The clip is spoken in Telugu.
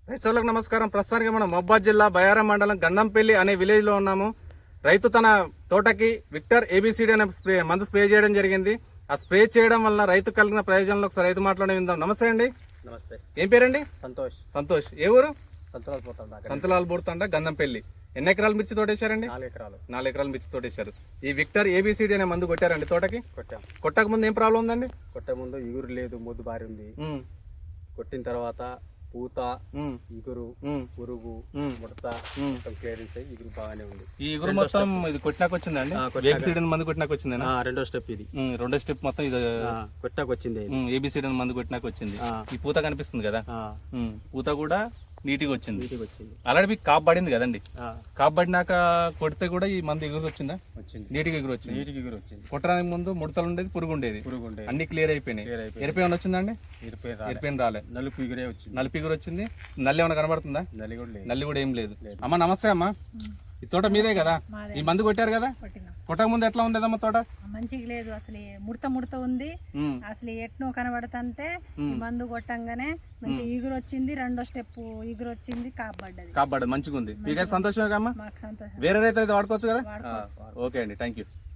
రైతులకు నమస్కారం. ప్రస్తుతానికి మనం మహబూబాబాద్ జిల్లా బయారం మండలం గంధంపల్లి అనే విలేజ్ లో ఉన్నాము. రైతు తన తోటకి విక్టర్ ఏబిసిడి అనే మందు స్ప్రే చేయడం జరిగింది. ఆ స్ప్రే చేయడం వల్ల రైతు కలిగిన ప్రయోజనాలు ఒకసారి రైతు మాట్లాడే విందాం. నమస్తే అండి. నమస్తే. ఏం పేరండి? సంతోష్. సంతోష్. ఏ ఊరు? సంతలాల్ బోర్తండ గంధంపల్లి. ఎన్ని ఎకరాలు మిర్చి తోటేశారండి? 4 ఎకరాలు మిర్చి తోటేశారు. ఈ విక్టర్ ఏబిసిడి అనే మందు కొట్టారండి తోటకి? కొట్టక ముందు ఏం ప్రాబ్లం ఉందండి? కొట్టే ముందు ఇగురు లేదు, మొద్దు బారి ఉంది. కొట్టిన తర్వాత పూత, ఇగురు, పురుగు, ముడత క్లియరెన్స్ అయ్యి ఇగురు బాగానే ఉంది. ఈ ఇగురు మొత్తం ఇది కొట్టినాక వచ్చిందండి? మందు కొట్టినాక వచ్చింది. రెండో స్టెప్ ఇది. రెండో స్టెప్ మొత్తం ఇది కొట్టినాక వచ్చింది. ఏబిసిడి మందు కొట్టినాక వచ్చింది. ఈ పూత కనిపిస్తుంది కదా, పూత కూడా నీట్గా వచ్చింది. ఆల్రెడీ మీకు కాపు పడింది కదండి. కాపు పడినాక కొడితే కూడా ఈ మందు ఎగురు వచ్చిందా? వచ్చింది. నీటికి ఎగురు వచ్చింది. కొట్టడానికి ముందు ముడతలు ఉండేది, పురుగు ఉండేది. అన్ని క్లియర్ అయిపోయినాయి. ఎరిపి ఏమైనా వచ్చిందండి? ఎరిపోయిన రాలే. నలుపు ఎగురు వచ్చింది. నల్లి ఏమైనా కనబడుతుందా? నల్లి కూడా ఏం లేదు. అమ్మ నమస్తే. అమ్మ, ఈ తోట మీదే కదా? ఈ మందు కొట్టారు కదా? కొట్టక ముందు ఎట్లా ఉండేదమ్మా తోట? మంచిగా లేదు, అసలు ముడత ఉంది. అసలు ఎట్నో కనబడతంటే మందు కొట్టంగానే మంచి ఈగురు వచ్చింది. రెండో స్టెప్ ఈగురు వచ్చింది, కాపాడ్డది మంచిగా ఉంది. మీకు సంతోషమే కమ్మా? మాకు సంతోషం. వేరే రైతు అయితే వాడుకోవచ్చు కదా? ఓకే అండి, థ్యాంక్ యూ.